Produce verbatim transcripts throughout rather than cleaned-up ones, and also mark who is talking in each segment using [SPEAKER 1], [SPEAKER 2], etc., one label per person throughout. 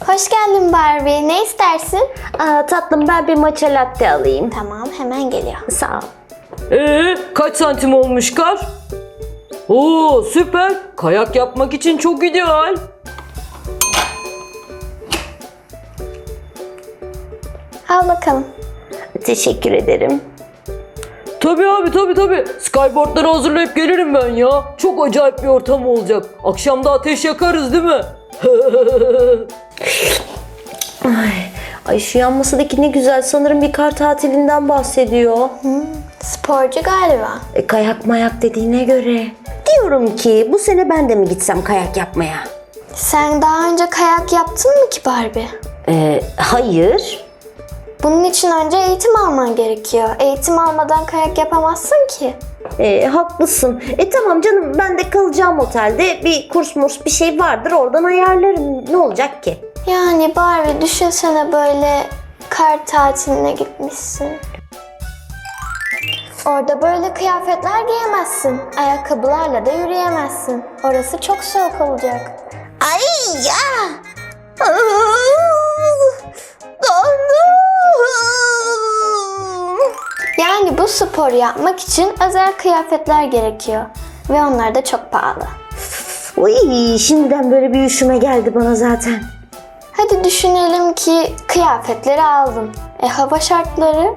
[SPEAKER 1] Hoş geldin Barbie. Ne istersin?
[SPEAKER 2] Aa, tatlım ben bir matcha latte alayım.
[SPEAKER 1] Tamam, hemen geliyor.
[SPEAKER 2] Sağ ol.
[SPEAKER 3] Ee, kaç santim olmuş kar? Oo, süper. Kayak yapmak için çok ideal.
[SPEAKER 1] Al bakalım.
[SPEAKER 2] Teşekkür ederim.
[SPEAKER 3] Tabii abi tabii tabii. Skyboardları hazırlayıp gelirim ben ya. Çok acayip bir ortam olacak. Akşam da ateş yakarız değil mi?
[SPEAKER 2] Ay, ay şu yan masadaki ne güzel. Sanırım bir kar tatilinden bahsediyor.
[SPEAKER 1] Hmm, sporcu galiba.
[SPEAKER 2] E, kayak mayak dediğine göre. Diyorum ki bu sene ben de mi gitsem kayak yapmaya?
[SPEAKER 1] Sen daha önce kayak yaptın mı ki Barbie?
[SPEAKER 2] Ee, hayır.
[SPEAKER 1] Bunun için önce eğitim alman gerekiyor. Eğitim almadan kayak yapamazsın ki.
[SPEAKER 2] Ee, haklısın. E tamam canım, ben de kalacağım otelde. Bir kurs murs bir şey vardır, oradan ayarlarım. Ne olacak ki?
[SPEAKER 1] Yani Barbie düşünsene, böyle kar tatiline gitmişsin. Orada böyle kıyafetler giyemezsin. Ayakkabılarla da yürüyemezsin. Orası çok soğuk olacak.
[SPEAKER 2] Ay ya!
[SPEAKER 1] Yani bu sporu yapmak için özel kıyafetler gerekiyor. Ve onlar da çok pahalı.
[SPEAKER 2] Uy, şimdiden böyle bir üşüme geldi bana zaten.
[SPEAKER 1] Hadi düşünelim ki kıyafetleri aldın. E hava şartları?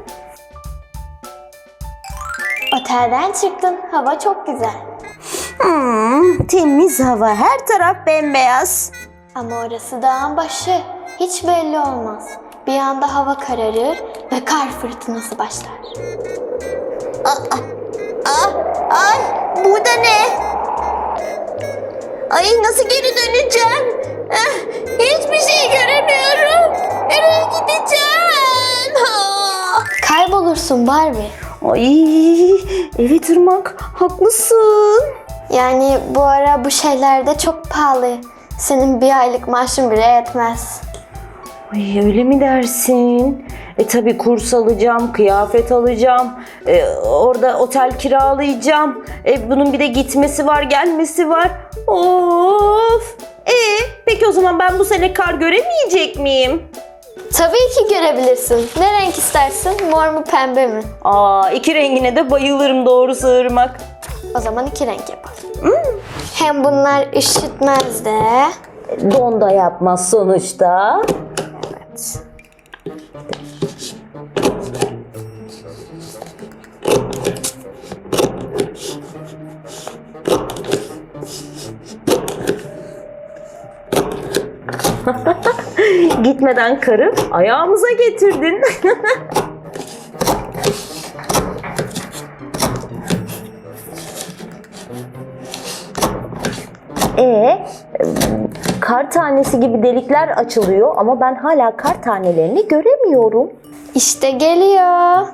[SPEAKER 1] Otelden çıktın. Hava çok güzel.
[SPEAKER 2] Hmm, temiz hava, her taraf bembeyaz.
[SPEAKER 1] Ama orası dağın başı. Hiç belli olmaz. Bir anda hava kararır ve kar fırtınası başlar.
[SPEAKER 2] Aa, aa, ay, bu da ne? Ay, nasıl geri döneceğim? Eh, hiçbir şey göremiyorum. Nereye gideceğim? Ha.
[SPEAKER 1] Kaybolursun Barbie.
[SPEAKER 2] Ay, evet Irmak, haklısın.
[SPEAKER 1] Yani bu ara bu şeyler de çok pahalı. Senin bir aylık maaşın bile yetmez.
[SPEAKER 2] Ay, öyle mi dersin? E tabi kurs alacağım, kıyafet alacağım, e, orada otel kiralayacağım. E, bunun bir de gitmesi var, gelmesi var. Of! E, peki o zaman ben bu sene kar göremeyecek miyim?
[SPEAKER 1] Tabii ki görebilirsin. Ne renk istersin? Mor mu pembe mi?
[SPEAKER 2] Aa, iki rengine de bayılırım doğrusu Irmak.
[SPEAKER 1] O zaman iki renk yapalım. Hmm. Hem bunlar üşütmez de.
[SPEAKER 2] Don da yapmaz sonuçta.
[SPEAKER 1] Evet.
[SPEAKER 2] Gitmeden karı ayağımıza getirdin. Ee, kar tanesi gibi delikler açılıyor ama ben hala kar tanelerini göremiyorum.
[SPEAKER 1] İşte geliyor.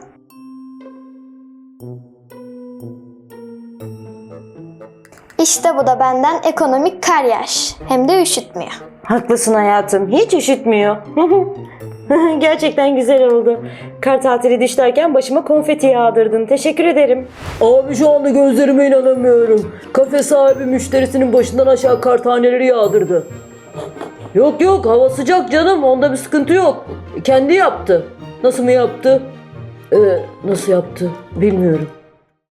[SPEAKER 1] İşte bu da benden ekonomik kar yağış. Hem de üşütmüyor.
[SPEAKER 2] Haklısın hayatım, hiç üşütmüyor. Gerçekten güzel oldu. Kar tatili dişlerken başıma konfeti yağdırdın. Teşekkür ederim.
[SPEAKER 3] Abi şu anda gözlerime inanamıyorum. Kafe sahibi müşterisinin başından aşağı kar taneleri yağdırdı. Yok yok, hava sıcak canım, onda bir sıkıntı yok. Kendi yaptı. Nasıl mı yaptı? Ee, nasıl yaptı bilmiyorum.